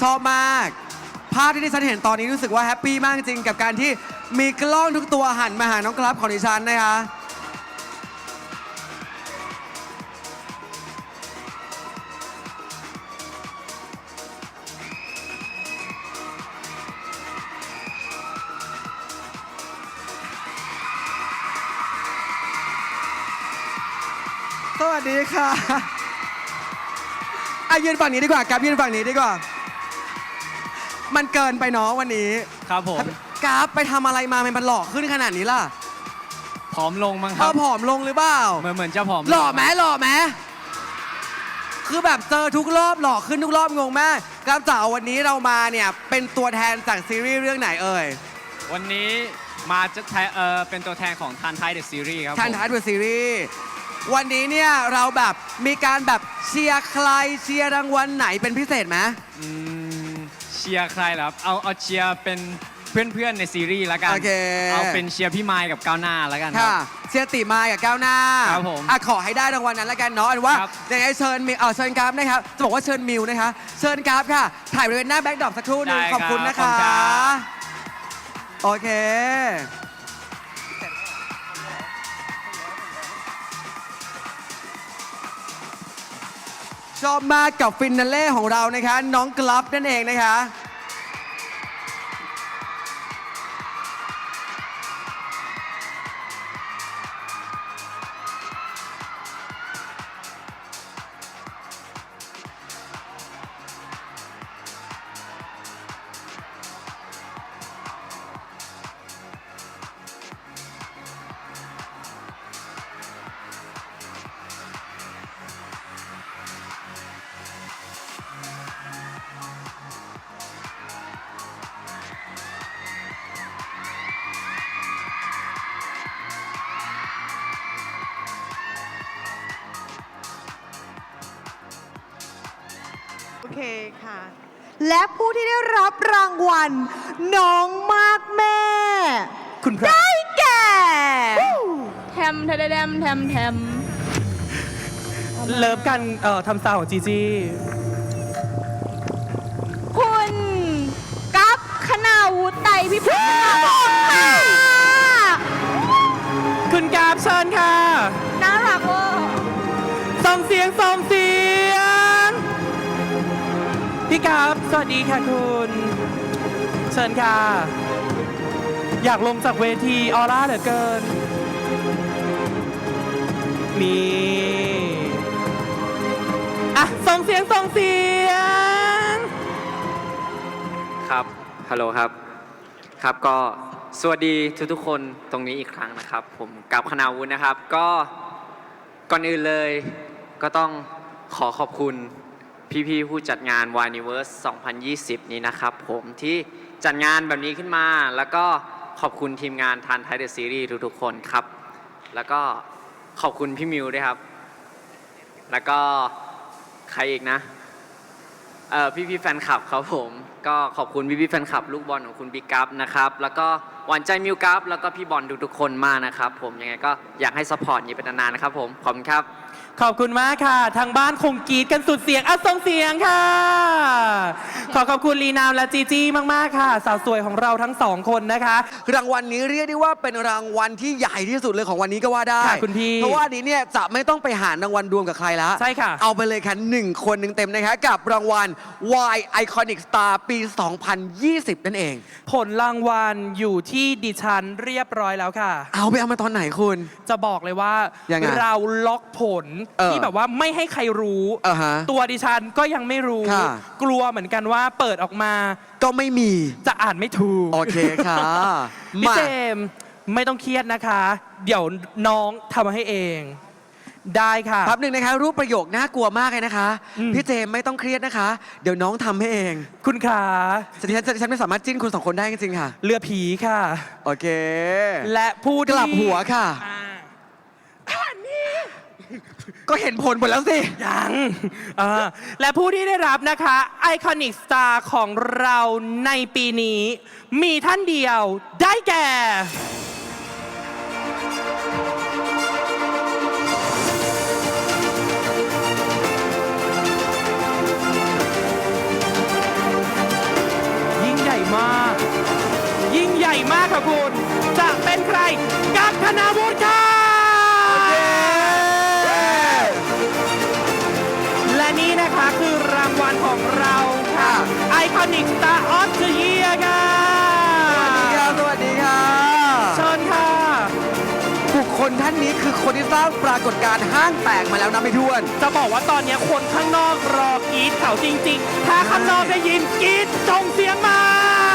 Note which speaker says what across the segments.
Speaker 1: ชอบมาก ภาพที่ดิฉันเห็นตอนนี้รู้สึกว่าแฮปปี้มากจริงกับการที่มีกล้องทุกตัวหันมาหาน้องกราฟของดิฉันนะคะสวัสดีค่ะยืนฝั่งนี้ดีกว่ากับยืนฝั่งนี้ดีกว่ามันเกินไปเนาะวันนี้
Speaker 2: ครับผม
Speaker 1: กราฟไปทำอะไรมามันหล่อขึ้นขนาดนี้ล่ะ
Speaker 2: ผอมลงมั้งครับ
Speaker 1: ผอมลงหรือเปล่า
Speaker 2: เหมือนจะผอม
Speaker 1: หล่อไหมคือแบบเจอทุกรอบหล่อขึ้นทุกรอบงงมากกราฟจ๋าวันนี้เรามาเนี่ยเป็นตัวแทนจากซีรีส์เรื่องไหนเอ่ย
Speaker 2: วันนี้มาจะเป็นตัวแทนของทันไทยเดอะซีรีส์ครับ
Speaker 1: ทันไทยเดอะซีรีส์วันนี้เนี่ยเราแบบมีการแบบเชียร์ใครเชียร์รางวัลไหนเป็นพิเศษไหม
Speaker 2: เชียร์ใครเหรอครับเอาเชียร์เป็นเพื่อนๆในซีรีส์แล้วกันเอาเป็นเชียร์พี่ไมค์กับก้าวหน้าแล้วกัน
Speaker 1: ค่ะเชียร์ติมากับก้าวหน้า
Speaker 2: ครับผม
Speaker 1: ขอให้ได้รางวัลนั้นแล้วกันเนาะอันว่าอย่างไรเชิญเชิญกราฟนะครับจะบอกว่าเชิญมิวนะคะเชิญกราฟค่ะถ่ายบริเวณหน้าแบ็คดรอปสักครู่นึงขอบคุณนะคะโอเคชอบมากกับฟินาเล่ของเรานะคะน้องกราฟนั่นเองนะคะ
Speaker 3: โอเคค่ะและผู้ที่ได้รับรางวัลน้องมากแม่
Speaker 1: คุณพระ
Speaker 3: ได้แก่
Speaker 4: แทมแทมแทมแทม
Speaker 1: เลิฟกันทำซาวของจีจี้
Speaker 4: คุณกั๊บคณาวุฒิไตรพิพัฒน์ค่ะ
Speaker 1: คุณกราฟเชิญค่ะ
Speaker 4: น่ารักเวอร์
Speaker 1: ส่งเสียงพี่กราฟสวัสดีค่ะคุณเชิญค่ะอยากลงจากเวทีออร่าเหลือเกินนี่ส่งเสียง
Speaker 5: ครับฮัลโหลครับครับก็สวัสดีทุกคนตรงนี้อีกครั้งนะครับผมกั๊บคณาวุฒินะครับก็ก่อนอื่นเลยก็ต้องขอบคุณพี่ๆผู้จัดงาน Wineverse 2020 นี้นะครับผมที่จัดงานแบบนี้ขึ้นมาแล้วก็ขอบคุณทีมงานทันไทยเดอะซีรีส์ทุกๆคนครับแล้วก็ขอบคุณพี่มิวด้วยครับแล้วก็ใครอีกนะพี่แฟนคลับครับผมก็ขอบคุณพี่แฟนคลับลูกบอลของคุณบิ๊กกั๊บนะครับแล้วก็หวานใจมิวกั๊บแล้วก็พี่บอลทุกๆคนมากนะครับผมยังไงก็อยากให้ซัพพอร์ตนี้เป็นนานๆนะครับผมขอบคุณครับ
Speaker 1: ขอบคุณมากค่ะทางบ้านคงกรี๊ดกันสุดเสียงส่งเสียงค่ะขอบคุณลีนามและจีจี้มากๆค่ะสาวสวยของเราทั้งสองคนนะคะรางวัลนี้เรียกได้ว่าเป็นรางวัลที่ใหญ่ที่สุดเลยของวันนี้ก็ว่าได้คุณพี่เพราะว่านี้เนี่ยจะไม่ต้องไปหารางวัลรวมกับใครแล้วใช่ค่ะเอาไปเลยค่ะ1 คนเต็มๆนะคะกับรางวัล Y Iconic Star ปี 2020 นั่นเองผลรางวัลอยู่ที่ดิฉันเรียบร้อยแล้วค่ะเอามาตอนไหนคุณจะบอกเลยว่าเราล็อกผลที่แบบว่าไม่ให้ใครรู้ตัวดิฉันก็ยังไม่รู้กลัวเหมือนกันว่าเปิดออกมาก็ไม่มีจะอ่านไม่ถูกโอเคค่ะพี่เจมไม่ต้องเครียดนะคะเดี๋ยวน้องทำมาให้เองได้ค่ะครับหนึ่งนะคะรูปประโยคน่ากลัวมากเลยนะคะพี่เจมไม่ต้องเครียดนะคะเดี๋ยวน้องทำให้เองคุณขาฉันไม่สามารถจิ้นคุณ2 คนได้จริงๆค่ะเรือผีค่ะโอเคและผู้กลับหัวค่ะก็เห็นผลหมดแล้วสิยังและผู้ที่ได้รับนะคะไอคอนิกสตาร์ของเราในปีนี้มีท่านเดียวได้แก่ขอบคุณจะเป็นใครกับธนาวุฒิค่ะและนี่นะคะคือรางวัลของเราค่ะ Iconic Star of the Year ค่ะ
Speaker 6: สวัสดีค่ะ
Speaker 1: เชิญค่ะ
Speaker 6: บุคคลท่านนี้คือคนที่สร้างปรากฏการณ์ห้างแตกมาแล้วนะไม่ท้วน
Speaker 1: จะบอกว่าตอนนี้คนข้างนอกรอกรีดเขาจริงๆ ถ้าข้างนอกได้ยินกรีดจงเสียงมา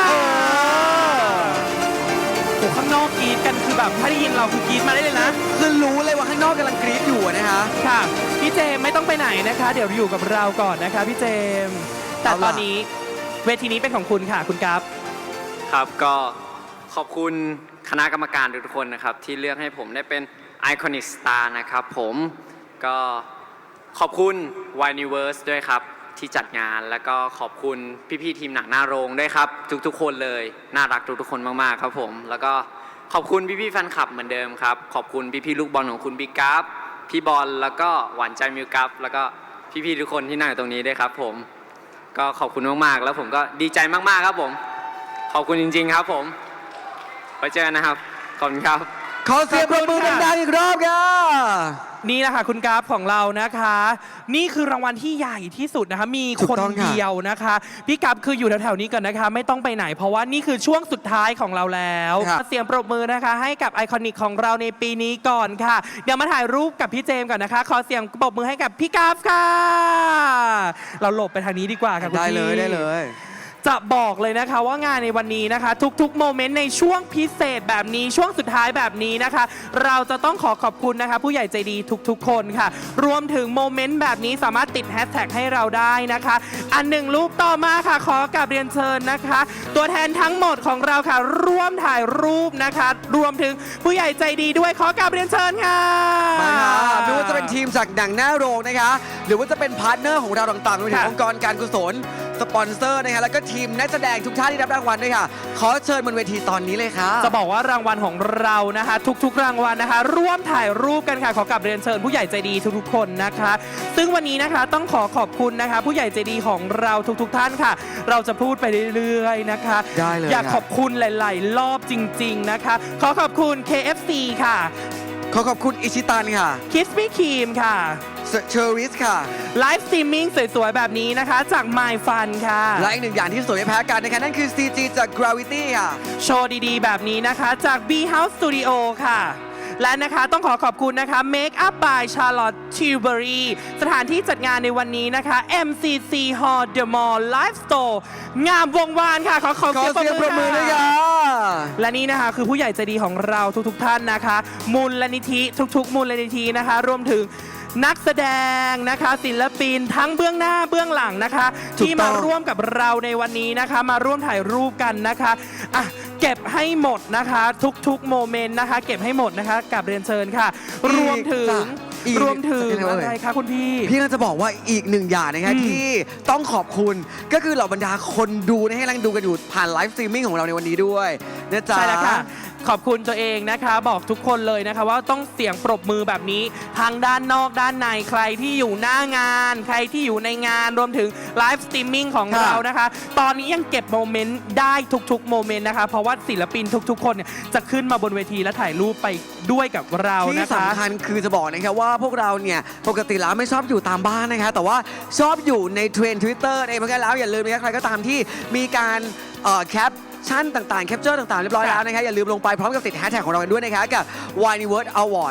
Speaker 1: โอ้ข้างนอกกรีดกันคือแบบถ้าได้ยินเราคือกรีดมาได้เลยนะ
Speaker 6: คือรู้เลยว่าข้างนอกกำลังกรี๊ดอยู่นะคะ
Speaker 1: ค่ะพี่เจมส์ไม่ต้องไปไหนนะคะ เดี๋ยวอยู่กับเราก่อนนะคะพี่เจมส์แต่ตอนนี้เวทีนี้เป็นของคุณค่ะคุณกัฟ
Speaker 5: ครับก็ขอบคุณคณะกรรมการทุกๆคนนะครับที่เลือกให้ผมได้เป็น Iconic Star นะครับผมก็ขอบคุณ Wineverse ด้วยครับที่จัดงานแล้วก็ขอบคุณพี่ๆทีมหนังหน้าโรงด้วยครับทุกๆคนเลยน่ารักทุกๆคนมากๆครับผมแล้วก็ขอบคุณพี่ๆแฟนคลับเหมือนเดิมครับขอบคุณพี่ๆลูกบอลของคุณบิ๊กกัฟพี่บอลแล้วก็หวานใจมิวกัฟแล้วก็พี่ๆทุกคนที่นั่งอยู่ตรงนี้ด้วยครับผมก็ขอบคุณมากๆแล้วผมก็ดีใจมากๆครับผมขอบคุณจริงๆครับผมไว้เจอกันนะครับขอบคุณครับ
Speaker 6: ขอเสียงปรบมือดังๆอีกรอบค่ะ
Speaker 1: นี่แหละค่ะคุณกราฟของเรานะคะ นี่คือรางวัลที่ใหญ่ที่สุดนะคะมี
Speaker 6: ถู
Speaker 1: คน
Speaker 6: กต้องค่ะ
Speaker 1: เดียวนะคะพี่กราฟคืออยู่แถวๆนี้ก่อนนะคะ ไม่ต้องไปไหน เพราะว่านี่คือช่วงสุดท้ายของเราแล้ว
Speaker 6: ครับ
Speaker 1: เสียงปรบมือนะคะให้กับไอคอนิกของเราในปีนี้ก่อนค่ะ เดี๋ยวมาถ่ายรูปกับพี่เจมส์ก่อนนะคะ ขอเสียงปรบมือให้กับพี่กราฟค่ะ เราหลบไปทางนี้ดีกว่าค่ะคุณ
Speaker 6: ได้
Speaker 1: พี่
Speaker 6: เลยได้เลย
Speaker 1: จะบอกเลยนะคะว่างานในวันนี้นะคะ ทุกๆโมเมนต์ในช่วงพิเศษแบบนี้ช่วงสุดท้ายแบบนี้นะคะ เราจะต้องขอขอบคุณนะคะ ผู้ใหญ่ใจดีทุกๆคนค่ะ รวมถึงโมเมนต์แบบนี้สามารถติดแฮชแท็กให้เราได้นะคะ อันหนึ่งรูปต่อมาค่ะขอกราบเรียนเชิญนะคะ ตัวแทนทั้งหมดของเราค่ะ ร่วมถ่ายรูปนะคะ รวมถึงผู้ใหญ่ใจดีด้วยขอกราบเรียนเชิญค่ะ
Speaker 6: มาค่ะไม่ว่าจะเป็นทีมจากหนังหน้าโรงนะคะ หรือว่าจะเป็นพาร์ทเนอร์ของเราต่างๆรวมถึง
Speaker 1: ค่ะ
Speaker 6: องค์กรการกุศลสปอนเซอร์นะคะแล้วก็ทีมนักแสดงทุกท่านที่รับรางวัลด้วยค่ะ ขอเชิญบนเวทีตอนนี้เลยค่ะ
Speaker 1: จะบอกว่ารางวัลของเรานะคะ ทุกๆรางวัลนะคะ ร่วมถ่ายรูปกันค่ะขอกลับเรียนเชิญผู้ใหญ่ใจดีทุกๆคนนะคะ ซึ่งวันนี้นะคะต้องขอขอบคุณนะคะ ผู้ใหญ่ใจดีของเราทุกๆท่านค่ะ เราจะพูดไปเรื่อยๆนะคะ
Speaker 6: ได้เลย
Speaker 1: อยาก
Speaker 6: ครับ
Speaker 1: ขอบคุณหลายๆรอบจริง ๆนะคะ ขอขอบคุณ KFC ค่ะ
Speaker 6: ขอขอบคุณอิชิตันค่ะ
Speaker 1: Kiss Me Cream ค่ะ
Speaker 6: เชอริสค่ะ
Speaker 1: ไลฟ์สตรีมมิ่งสวยๆแบบนี้นะคะ จาก My Fun ค่ะ
Speaker 6: และอีกหนึ่งอย่างที่สวยไม่แพ้กันนะคะนั่นคือ CG จาก Gravity ค่ะ
Speaker 1: โชว์ดีๆ แบบนี้นะคะจาก B House Studio ค่ะ และนะคะต้องขอขอบคุณนะคะ Make Up by Charlotte Tilbury สถานที่จัดงานในวันนี้นะคะ MCC Hall The Mall Live Store งามวงวานค่ะ ขอ
Speaker 6: ขอเสียงปรบมือด้วยค่ะ
Speaker 1: และนี่นะคะคือผู้ใหญ่ใจดีของเราทุกๆท่านนะคะ มูลนิธิทุกๆมูลนิธินะคะ รวมถึงนักแสดงนะคะศิลปินทั้งเบื้องหน้าเบื้องหลังนะคะ
Speaker 6: ถูกต้อง
Speaker 1: ที่มาร่วมกับเราในวันนี้นะคะ มาร่วมถ่ายรูปกันนะคะอ่ะเก็บให้หมดนะคะ ทุกๆโมเมนต์นะคะ เก็บให้หมดนะคะกับเรียนเชิญค่ะ รวมถึง
Speaker 6: อีก
Speaker 1: รวมถึง
Speaker 6: อีก
Speaker 1: อะไรคะคุณพี่
Speaker 6: พี่น่าจะบอกว่าอีกหนึ่งอย่างนะคะ
Speaker 1: อืม
Speaker 6: ที่ต้องขอบคุณก็คือเหล่าบรรดาคนดูนะให้กำลังดูกันอยู่ผ่านไลฟ์สตรีมมิ่งของเราในวันนี้ด้วยนะจ๊ะ
Speaker 1: ใช่แล้วค่ะ ขอบคุณตัวเองนะคะ บอกทุกคนเลยนะคะ ว่าต้องเสียงปรบมือแบบนี้ทั้งด้านนอกด้านในใครที่อยู่หน้างาน ใครที่อยู่ในงานรวมถึงไลฟ์สตรีมมิ่งของ
Speaker 6: ค่ะ
Speaker 1: เรานะคะ ตอนนี้ยังเก็บโมเมนต์ได้ทุกๆโมเมนต์นะคะ เพราะว่าศิลปินทุกๆคนเนี่ยจะขึ้นมาบนเวทีและถ่ายรูปไปด้วยกับเรา
Speaker 6: ที่
Speaker 1: นะคะ
Speaker 6: สำคัญคือจะบอกนะครับว่าพวกเราเนี่ยปกติแล้วไม่ชอบอยู่ตามบ้านนะคะแต่ว่าชอบอยู่ในเทรนด์ Twitter เองเพราะงั้นแล้วอย่าลืมนะครับใครก็ตามที่มีการแคปชั่นต่างๆแคปเจอร์ต่างๆเรียบร้อยแล้วนะคะอย่าลืมลงไปพร้อมกับติดแฮชแท็กของเรากันด้วยนะคะกับ Wineworld Award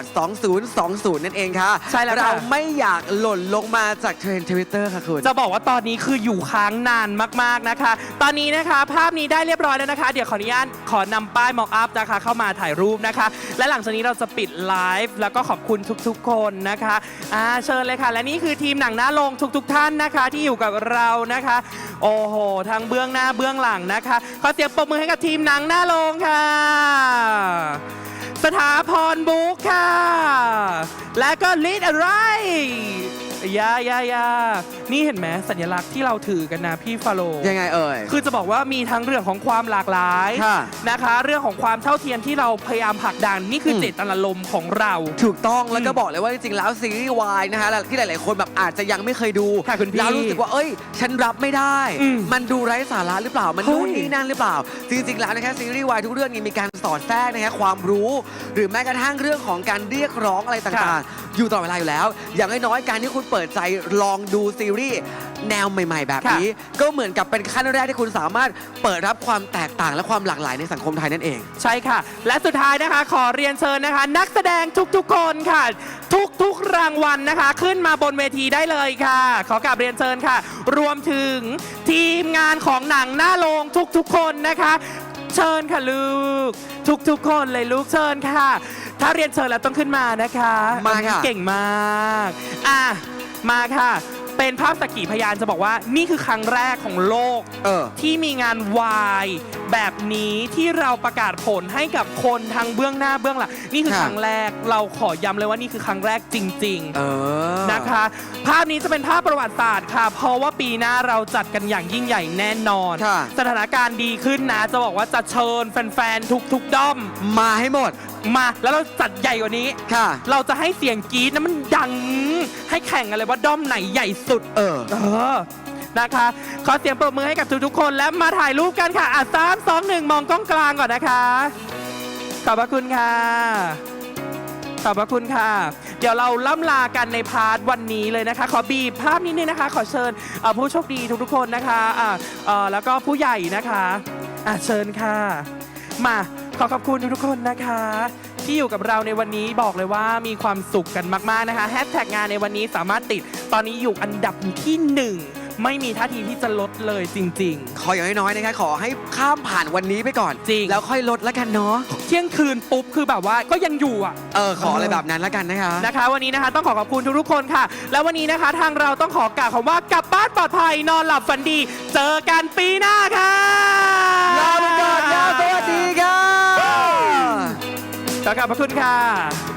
Speaker 6: 2020 นั่นเองค่ะ
Speaker 1: ใช่แล้วค่ะ
Speaker 6: เราไม่อยากหล่นลงมาจากเทรนด์ Twitter ค่ะคุณ
Speaker 1: จะบอกว่าตอนนี้คืออยู่ค้างนานมากๆนะคะ ตอนนี้นะคะภาพนี้ได้เรียบร้อยแล้วนะคะ เดี๋ยวขออนุญาตขอนำป้าย mock up นะคะเข้ามาถ่ายรูปนะคะ และหลังจากนี้เราจะปิดไลฟ์แล้วก็ขอบคุณทุกๆคนนะคะเชิญเลยค่ะ และนี่คือทีมหนังหน้าโรงทุกๆท่านนะคะ ที่อยู่กับเรานะคะ โอ้โหทั้งเบื้องหน้าเบื้องหลังนะคะขอเสียงปรบมือให้กับทีมหนังหน้าโรงค่ะ สถาพรบุ๊กค่ะ และก็ลิดอะไรยานี่เห็นไหมสัญลักษณ์ที่เราถือกันนะพี่ฟาโล
Speaker 6: ยังไงเอ่ย
Speaker 1: คือจะบอกว่ามีทั้งเรื่องของความหลากหลาย
Speaker 6: ค่ะ
Speaker 1: นะคะ เรื่องของความเท่าเทียมที่เราพยายามผลักดันนี่คือเจตนารมณ์ของเรา
Speaker 6: ถูกต้องแล้วก็บอกเลยว่าจริงๆแล้วซีรีส์วายนะคะที่หลายๆคนแบบอาจจะยังไม่เคยดู
Speaker 1: ค่ะคุณพี่
Speaker 6: แล้วรู้สึกว่าเอ้ย ฉันรับไม่ได้ มันดูไร้สาระหรือเปล่ามัน
Speaker 1: เฮ้ย
Speaker 6: นู่นนี่นั่นหรือเปล่า จริงๆแล้วนะคะซีรีส์วายทุกเรื่องนี้มีการสอดแทรกนะคะความรู้ หรือแม้กระทั่งเรื่องของการเรียกร้องอะไรต่างๆ อยู่ตลอดเวลาอยู่แล้ว อย่างน้อยๆการที่คุณเปิดใจลองดูซีรีส์แนวใหม่ๆ แบบนี้ ก็เหมือนกับเป็นขั้นแรกที่คุณสามารถเปิดรับความแตกต่างและความหลากหลายในสังคมไทยนั่นเอง
Speaker 1: ใช่ค่ะ และสุดท้ายนะคะขอเรียนเชิญนะคะ นักแสดงทุกๆคนค่ะ ทุกๆรางวัลนะคะ ขึ้นมาบนเวทีได้เลยค่ะ ขอกราบเรียนเชิญค่ะ รวมถึงทีมงานของหนังหน้าโรงทุกๆคนนะคะ เชิญค่ะลูกทุกๆคนเลยลูกเชิญค่ะ ถ้าเรียนเชิญแล้วต้องขึ้นมานะคะ
Speaker 6: มาค่ะ
Speaker 1: เก่งมากมาค่ะ เป็นภาพสักขีพยานจะบอกว่านี่คือครั้งแรกของโลก ที่มีงานวายแบบนี้ที่เราประกาศผลให้กับคนทางเบื้องหน้าเบื้องหลังนี่คือ
Speaker 6: ค่ะ
Speaker 1: ครั้งแรกเราขอย้ำเลยว่านี่คือครั้งแรกจริง
Speaker 6: ๆ
Speaker 1: นะคะ ภาพนี้จะเป็นภาพประวัติศาสตร์ค่ะ เพราะว่าปีหน้าเราจัดกันอย่างยิ่งใหญ่แน่นอน
Speaker 6: ค่ะ
Speaker 1: สถานการณ์ดีขึ้นนะจะบอกว่าจะเชิญแฟนๆทุกด้อม
Speaker 6: มาให้หมด
Speaker 1: มาแล้วเราจัดใหญ่กว่านี้
Speaker 6: ค่ะ
Speaker 1: เราจะให้เสียงกรี๊ดนะมันดังให้แข่งกันเลยว่าด้อมไหนใหญ่สุด นะคะ ขอเสียงปรบมือให้กับทุกๆคนและมาถ่ายรูปกันค่ะ3 2 1 มองกล้องกลางก่อนนะคะ ขอบพระคุณค่ะ ขอบพระคุณค่ะ เดี๋ยวเราล่ำลากันในพาร์ทวันนี้เลยนะคะ ขอบีบภาพนิดนึงนะคะ ขอเชิญผู้โชคดีทุกๆคนนะคะแล้วก็ผู้ใหญ่นะคะเชิญค่ะ มาขอขอบคุณทุกๆคนนะคะ ที่อยู่กับเราในวันนี้บอกเลยว่ามีความสุขกันมากๆนะคะแฮชแท็กงานในวันนี้สามารถติดตอนนี้อยู่อันดับที่ 1 ไม่มีท่าทีที่จะลดเลยจริง
Speaker 6: ขออย่างน้อยๆนะคะขอให้ข้ามผ่านวันนี้ไปก่อน
Speaker 1: จริง
Speaker 6: แล้วค่อยลดแล้วกันเนาะ
Speaker 1: ๆ เที่ยงคืนปุ๊บคือแบบว่าก็ยังอยู่
Speaker 6: ขออะไรแบบนั้นแล้วกันนะคะ
Speaker 1: นะคะวันนี้นะคะต้องขอบคุณทุกๆคนค่ะ แล้ววันนี้นะคะทางเราต้องขอกล่าวคำว่ากลับบ้านปลอดภัยนอนหลับฝันดี เจอกันปีหน้าค่ะ
Speaker 6: ลาไปก่อนค่ะสวัสดีค่ะ
Speaker 1: ขอบพระคุณค่ะ